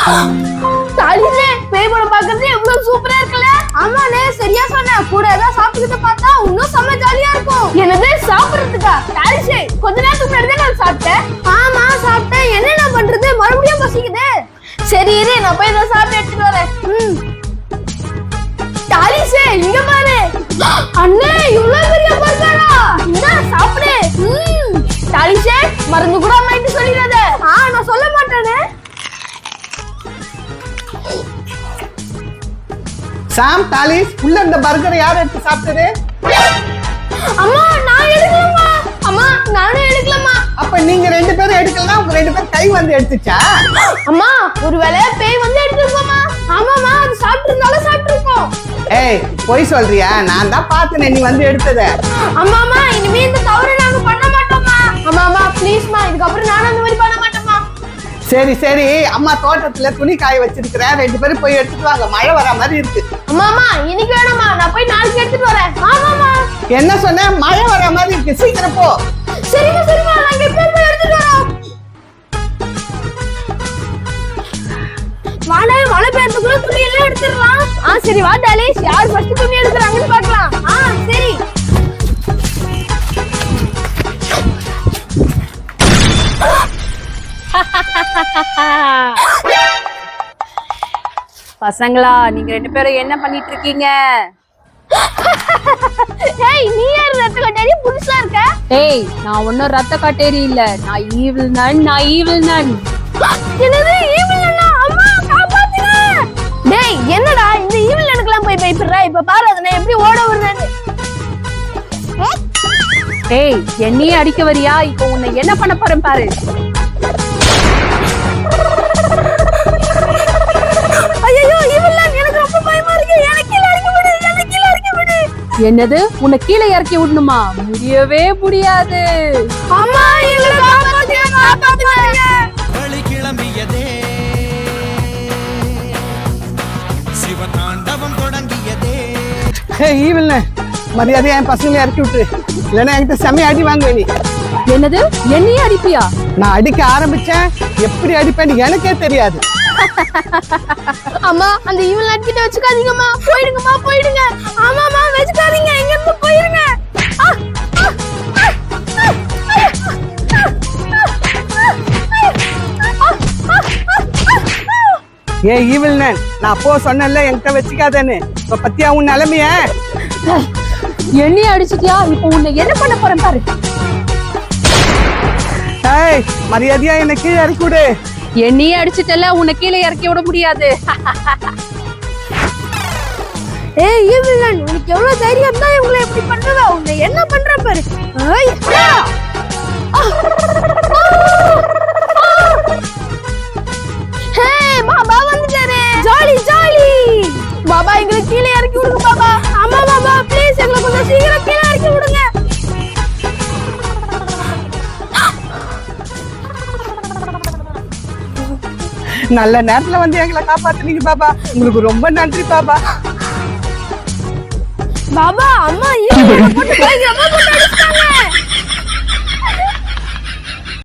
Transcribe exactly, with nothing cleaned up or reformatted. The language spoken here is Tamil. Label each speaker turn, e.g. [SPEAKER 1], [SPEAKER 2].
[SPEAKER 1] தாலிசே பேய் படம் பாக்குறது எவ்வளவு சூப்பரா இருக்குல்ல. ஆமாண்ணே சரியா சொன்ன. கூட ஏதாவது சாப்பிட்டுக்கிட்டு பார்த்தா இன்னும் செம்ம ஜாலியா இருக்கும். என்னது சாப்பிடுறதுக்கா? தாலிசே கொஞ்ச நேரத்துக்கு முன்னாடி தான் நான் சாப்பிட்டேன். ஆமா சாப்பிட்டேன். என்னென்ன பண்றது, மறுபடியும் பசிக்குது. சரி இரு நான் போய் இதை சாப்பிட்டு எடுத்துட்டு வரேன். ம் தாலிசே இங்க பாரு. அண்ணே இவ்வளவு பெரிய பர்கரா? இந்த சாப்பிடு. ம் தாலிசே மருந்து கூட அம்மாயிட்டு சொல்லிடாத. ஆ நான் சொல்ல மாட்டேனே.
[SPEAKER 2] சாம் தாலிஸ் உள்ள இந்த பர்கரை யார் எடுத்து சாப்பிட்டது?
[SPEAKER 1] அம்மா நான் எடுக்கலம்மா. அம்மா நானே எடுக்கலம்மா.
[SPEAKER 2] அப்ப நீங்க ரெண்டு பேரும் எடுக்கலனா உங்க ரெண்டு பேரும் கை வந்து எடுத்துச்சா?
[SPEAKER 1] அம்மா ஒருவேளை பேய் வந்து எடுத்துருக்கோமா? ஆமாமா அது சாப்பிட்டு இருந்தாலும் சாப்பிட்டுருக்கோம்.
[SPEAKER 2] ஏய் போய் சொல்றியா? நான் தான் பார்த்தேன் நீ வந்து எடுத்தத.
[SPEAKER 1] அம்மாமா இனிமே இந்த தவறு நாங்க பண்ண மாட்டோம்மா. அம்மாமா ப்ளீஸ்மா இதுக்கப்புறம் நானும் அந்த மாதிரி பண்ண மாட்டோம்மா.
[SPEAKER 2] சரி சரி அம்மா தோட்டத்துல துணி காய வச்சிருக்கிறேன், ரெண்டு பேரும் போய் எடுத்துட்டு வாங்க. மழை வர மாதிரி இருக்கு.
[SPEAKER 1] அம்மாமா இன்னைக்கு வேணாமா, நான் போய் நாளைக்கு எடுத்துட்டு வரேன். ஆமாமா
[SPEAKER 2] என்ன சொன்ன? மழை வர மாதிரி இருக்கு, சீக்கிரம் போ.
[SPEAKER 1] சரிமா சரிமா நாங்க இப்ப போய் எடுத்துட்டு வரோம். வாடா மழை பெய்யறதுக்குள்ள துணி எல்லாம் எடுத்துடலாம். ஆ சரி வா டாலிஸ், யார் ஃபர்ஸ்ட் துணி எடுக்கறாங்கன்னு பார்க்கலாம். ஆ சரி
[SPEAKER 3] பசங்களா நீங்க ரெண்டு பேரும் என்ன பண்ணிட்டு இருக்கீங்க?
[SPEAKER 1] ஏய் நீ யார் ரத்த கட்டேரி புதுசா இருக்க?
[SPEAKER 3] ஏய் நான் ஒன்னும் ரத்த கட்டேரி இல்ல, நான் ஈவில் நன். நான் ஈவில் நன்.
[SPEAKER 1] என்னது ஈவில் நன்னா? அம்மா காப்பாத்துங்க. டேய் என்னடா இந்த ஈவில் நனுக்குலாம் போய் பயப்படுற? இப்ப பாரு அதனை எப்படி ஓட விடுறேன்னு.
[SPEAKER 3] ஏய் என்னையே அடிக்க வரியா? இப்போ உன்னை என்ன பண்ண போறேன் பாரு.
[SPEAKER 1] ஐயோ ஈவில் நன் எனக்கு ரொம்ப பயமா இருக்கு. எனக்கு கீழ இறக்கி விடு, எனக்கு கீழ இறக்கி விடு.
[SPEAKER 3] என்னது உன்னை கீழே இறக்கி விடணுமா? முடியவே முடியாது.
[SPEAKER 1] அம்மா எங்களை காப்பாத்துங்க, காப்பாத்துங்க.
[SPEAKER 4] வழி கிளம்பியதே, சிவதாண்டவம் தொடங்கியதே.
[SPEAKER 2] ஏய் ஈவில்ல மரியாதையா என் பசங்களை இறக்கி விட்டு, இல்லைன்னா என்கிட்ட செமைய அடி வாங்குவே நீ.
[SPEAKER 3] என்னது என்னையே அடிப்பியா?
[SPEAKER 2] நான் அடிக்க ஆரம்பிச்சேன், எப்படி அடிப்பேன்னு எனக்கே தெரியாது.
[SPEAKER 1] அம்மா அந்த ஈவில் நன் கிட்ட வச்சுக்காதீங்கம்மா. போயிடுங்கம்மா போயிடுங்க. ஆமாமா வச்சுக்காதீங்க, எங்க இருந்து போயிருங்க.
[SPEAKER 2] ஏ ஈவில் நன், நான் அப்போ சொன்னேன்ல என்கிட்ட வச்சுக்காதேன்னு. இப்ப பத்தியா உன் நிலைமைய?
[SPEAKER 3] என்னையே அடிச்சிட்டியா? இப்போ உன்னை என்ன பண்ண போறேன் பாரு.
[SPEAKER 2] ஏய் மரியாதையா என்ன கீழே இறக்கி விடு.
[SPEAKER 3] என்னையே அடிச்சிட்டல, உன்னை கீழே இறக்கி விட முடியாது.
[SPEAKER 1] ஏய் ஈவில் நன் உனக்கு எவ்வளவு தைரியம் தான் இவங்களை எப்படி பண்றதா? உன்னை என்ன பண்ற பாரு. ஏய் ஹே பாபா வந்துட்டாரே. Jolly jolly. பாபா எங்களை கீழே இறக்கி விடுங்க பாபா. ஆமா பாபா ப்ளீஸ் எங்களை கொஞ்சம் சீக்கிரம் கீழே இறக்கி விடுங்க.
[SPEAKER 2] நல்ல நேரத்துல வந்து எங்களை காப்பாத்துனீங்க பாபா, உங்களுக்கு ரொம்ப நன்றி பாபா.
[SPEAKER 1] பாபா அம்மா ஈவில் நன் போட்டு பயங்கரமா போட்டு அடிச்சாங்க.